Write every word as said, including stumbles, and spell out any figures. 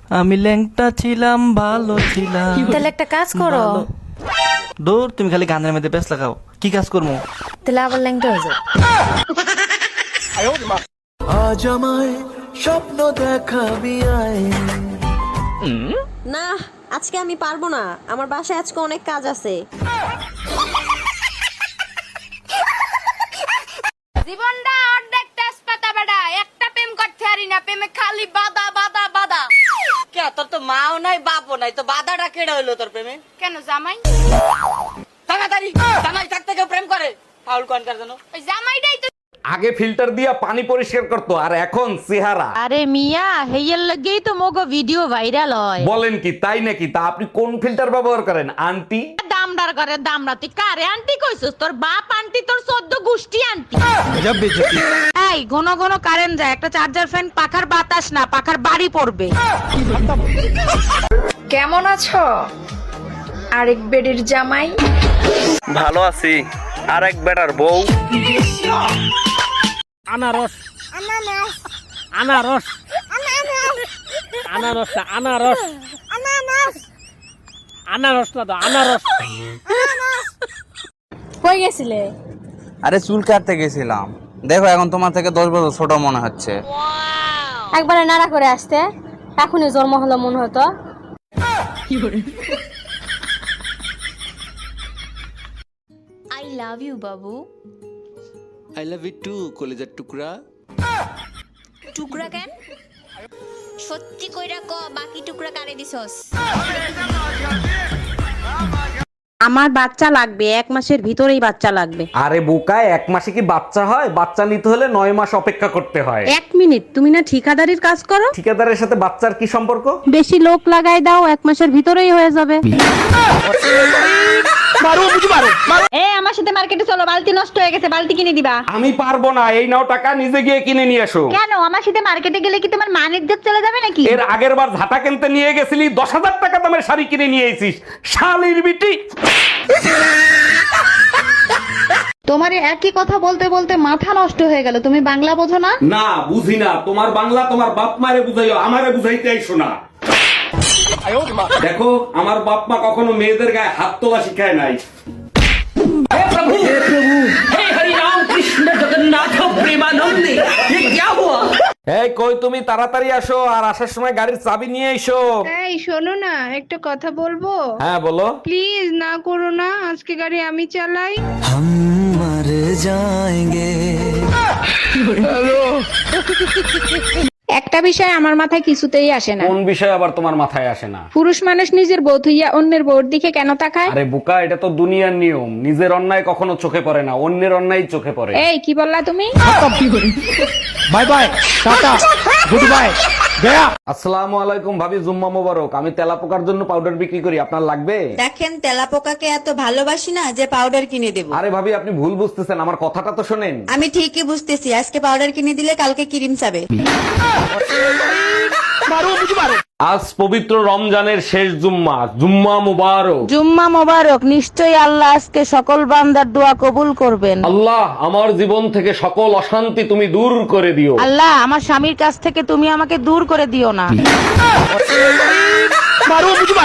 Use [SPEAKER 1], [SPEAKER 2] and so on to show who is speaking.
[SPEAKER 1] আমি ল্যাংটা ছিলাম ভালো ছিলাম।
[SPEAKER 2] তাহলে একটা কাজ করো,
[SPEAKER 1] ভালো। দূর, তুমি খালি গানের মধ্যে ব্যস্ত লাগাও, কি কাজ করবো?
[SPEAKER 2] তাহলে আবার ল্যাংটা হয়ে যাও।
[SPEAKER 3] আজ আমায় স্বপ্ন দেখাবি আয়।
[SPEAKER 4] না, আজকে আমি পারবো না, আমার বাসায় আজকে অনেক কাজ আছে।
[SPEAKER 5] জীবনটা অর্ধেক তেজপাতা বেটা, একটা প্রেম করতে পারি না, প্রেমে খালি বাধা বাধা বাধা।
[SPEAKER 6] কে তোর তো মাও নাই বাপও নাই, তো বাধাটা কেড়ে হইলো তোর প্রেমে?
[SPEAKER 5] কেন জামাই?
[SPEAKER 6] তাড়াতাড়ি জামাই থাকতে কেউ প্রেম করে? ফাউল কনকার জন্য
[SPEAKER 5] ওই জামাইটাই তো।
[SPEAKER 7] আগে ফিল্টার দিয়া পানি পরিষ্কার করতো, আর এখন চেহারা।
[SPEAKER 8] আরে মিয়া, হেয়ার লাগেই তো মোগো ভিডিও ভাইরাল হয়।
[SPEAKER 7] বলেন কি, তাই নাকি? তা আপনি কোন ফিল্টার ব্যবহার করেন আন্টি?
[SPEAKER 8] দামদার করে দামরা, তুই কারে আন্টি কইছস? তোর বাপ আন্টি, তোর চোদ্দ গোষ্ঠী আন্টি। এই ঘন ঘন কারেন্ট যায়, একটা চার্জার ফ্যান পাখার বাতাস না, পাখার বাড়ি পড়বে।
[SPEAKER 9] কেমন আছো আরেক বেডের জামাই?
[SPEAKER 1] ভালো আছি। আর এক বেটার বউ।
[SPEAKER 10] আনারস আনারস আনারস আনারস আনারস না তো আনারস।
[SPEAKER 2] কই গেছিলে?
[SPEAKER 11] আরে চুল কাটতে গেছিলাম। দেখো এখন তোমার থেকে দশ বছর ছোট মনে হচ্ছে।
[SPEAKER 2] একবারে নাড়া করে আসতে, এখনই জন্ম হলো মনে হতো।
[SPEAKER 5] আই লাভ ইউ বাবু।
[SPEAKER 3] আই লাভ ইউ টু কলিজার টুকরা।
[SPEAKER 5] টুকরা কেন? সত্যি কইরা ক, বাকি টুকরা কারে দিছস?
[SPEAKER 8] আমার বাচ্চা লাগবে, এক মাসের ভিতরেই বাচ্চা লাগবে।
[SPEAKER 7] আরে বোকায়, এক মাসে কি বাচ্চা হয়? বাচ্চা নিতে হলে নয় মাস অপেক্ষা করতে হয়।
[SPEAKER 8] এক মিনিট, তুমি না ঠিকাদারির কাজ করো?
[SPEAKER 7] ঠিকাদারের সাথে বাচ্চার কি সম্পর্ক?
[SPEAKER 8] বেশি লোক লাগাই দাও, এক মাসের ভিতরেই হয়ে যাবে।
[SPEAKER 2] এ আমার সাথে মার্কেটে চলো, বালতি নষ্ট হয়ে গেছে, বালতি কিনে দিবা।
[SPEAKER 7] আমি পারবো না, এই নাও টাকা, নিজে গিয়ে কিনে নিয়ে এসো।
[SPEAKER 2] কেন? আমার সাথে মার্কেটে গেলে কি তোমার মান ইজ্জত চলে যাবে নাকি?
[SPEAKER 7] এর আগের বার ঝাঁটা কিনতে নিয়ে গেছিলি, দশ হাজার টাকা দামের শাড়ি কিনে নিয়ে এসিস, শালির বিটি।
[SPEAKER 9] তোমার একই কথা বলতে বলতে মাথা নষ্ট হয়ে গেল, তুমি বাংলা বোঝো না?
[SPEAKER 7] না বুঝি না, তোমার বাংলা তোমার বাপ মারে বুঝাইও, আমারে বুঝাইতে আইসো না। দেখো, আমার বাপ মা কখনো মেয়েদের গায়ে হাত তোলা শিখায় নাই। এই কই তুমি, তাড়াতাড়ি আসো, আর আসার সময় গাড়ির চাবি নিয়ে এসো।
[SPEAKER 9] এই শোনো না, একটা কথা বলবো?
[SPEAKER 7] হ্যাঁ বলো।
[SPEAKER 9] প্লিজ না করো না, আজকে গাড়ি আমি চালাই।
[SPEAKER 3] हम मर जाएंगे।
[SPEAKER 9] একটা বিষয় আমার মাথায় কিছুতেই আসে না।
[SPEAKER 7] কোন বিষয় আবার তোমার মাথায় আসে না?
[SPEAKER 9] পুরুষ মানুষ নিজের বউ থইয়া অন্যের বউর দিকে কেন তাকায়?
[SPEAKER 7] আরে বোকা, এটা তো দুনিয়ার নিয়ম। নিজের অন্যায় কখনো চোখে পড়ে না, অন্যের অন্যায় চোখে পড়ে।
[SPEAKER 9] এই কি বললা তুমি?
[SPEAKER 10] বাই বাই, টাটা, গুড বাই, গয়া।
[SPEAKER 7] আসসালামু আলাইকুম ভাবি, জুম্মা মোবারক। আমি তেলাপোকার জন্য পাউডার বিক্রি করি, আপনার লাগবে?
[SPEAKER 4] দেখেন, তেলাপোকাকে এত ভালোবাসি না যে পাউডার কিনে দেব।
[SPEAKER 7] আরে ভাবি, আপনি ভুল বুঝতেছেন, আমার কথাটা তো শোনেন।
[SPEAKER 4] আমি ঠিকই বুঝতেছি, আজকে পাউডার কিনে দিলে কালকে ক্রিম চাবে।
[SPEAKER 7] আজ পবিত্র রমজানের শেষ জুম্মা, জুম্মা মুবারক।
[SPEAKER 8] জুম্মা মোবারক। নিশ্চয়ই আল্লাহ আজকে সকল বান্দার দোয়া কবুল করবেন।
[SPEAKER 7] আল্লাহ, আমার জীবন থেকে সকল অশান্তি তুমি দূর করে দিও।
[SPEAKER 8] আল্লাহ, আমার স্বামীর কাছ থেকে তুমি আমাকে দূর করে দিও না।